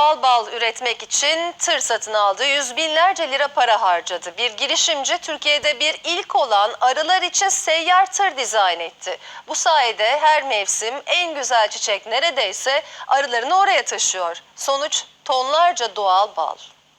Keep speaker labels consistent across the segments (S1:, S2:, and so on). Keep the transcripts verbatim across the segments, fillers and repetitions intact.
S1: doğal bal üretmek için tır satın aldı. Yüz binlerce lira para harcadı. Bir girişimci Türkiye'de bir ilk olan arılar için seyyar tır dizayn etti. Bu sayede her mevsim en güzel çiçek neredeyse arılarını oraya taşıyor. Sonuç tonlarca doğal bal.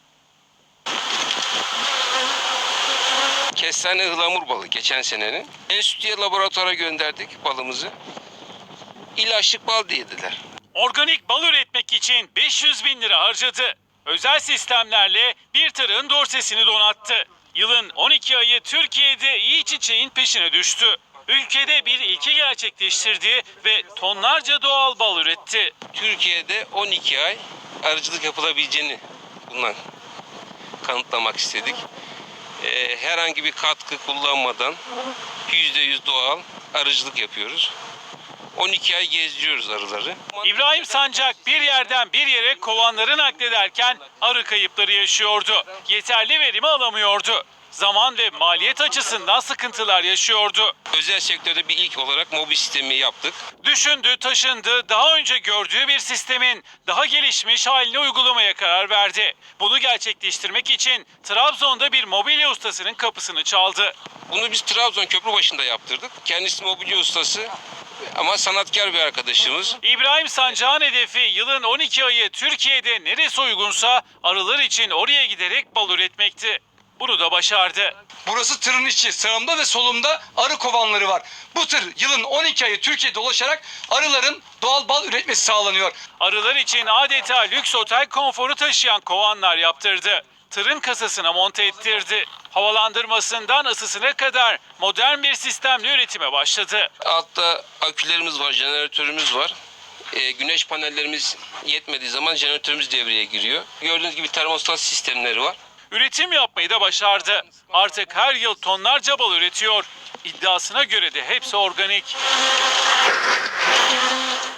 S2: Kestane ıhlamur balı geçen senenin. Enstitüye laboratuvara gönderdik balımızı. İlaçlık bal dediler.
S3: Organik bal üretmek için beş yüz bin lira harcadı. Özel sistemlerle bir tırın dorsesini donattı. Yılın on iki ayı Türkiye'de iyi çiçeğin peşine düştü. Ülkede bir ilki gerçekleştirdi ve tonlarca doğal bal üretti.
S2: Türkiye'de on iki ay arıcılık yapılabileceğini bundan kanıtlamak istedik. Ee, herhangi bir katkı kullanmadan yüzde yüz doğal arıcılık yapıyoruz. on iki ay gezdiriyoruz arıları.
S3: İbrahim Sancak bir yerden bir yere kovanları naklederken arı kayıpları yaşıyordu. Yeterli verimi alamıyordu. Zaman ve maliyet açısından sıkıntılar yaşıyordu.
S2: Özel sektörde bir ilk olarak mobil sistemi yaptık.
S3: Düşündü, taşındı, daha önce gördüğü bir sistemin daha gelişmiş halini uygulamaya karar verdi. Bunu gerçekleştirmek için Trabzon'da bir mobilya ustasının kapısını çaldı.
S2: Bunu biz Trabzon Köprübaşı'nda yaptırdık. Kendisi mobilya ustası ama sanatkar bir arkadaşımız.
S3: İbrahim Sancak'ın hedefi yılın on iki ayı Türkiye'de neresi uygunsa arılar için oraya giderek bal üretmekti. Bunu da başardı.
S4: Burası tırın içi. Sağımda ve solumda arı kovanları var. Bu tır yılın on iki ayı Türkiye'de dolaşarak arıların doğal bal üretmesi sağlanıyor.
S3: Arılar için adeta lüks otel konforu taşıyan kovanlar yaptırdı. Tırın kasasına monte ettirdi. Havalandırmasından ısısına kadar modern bir sistemle üretime başladı.
S2: Altta akülerimiz var, jeneratörümüz var. Ee, güneş panellerimiz yetmediği zaman jeneratörümüz devreye giriyor. Gördüğünüz gibi termostat sistemleri var.
S3: Üretim yapmayı da başardı. Artık her yıl tonlarca bal üretiyor. İddiasına göre de hepsi organik.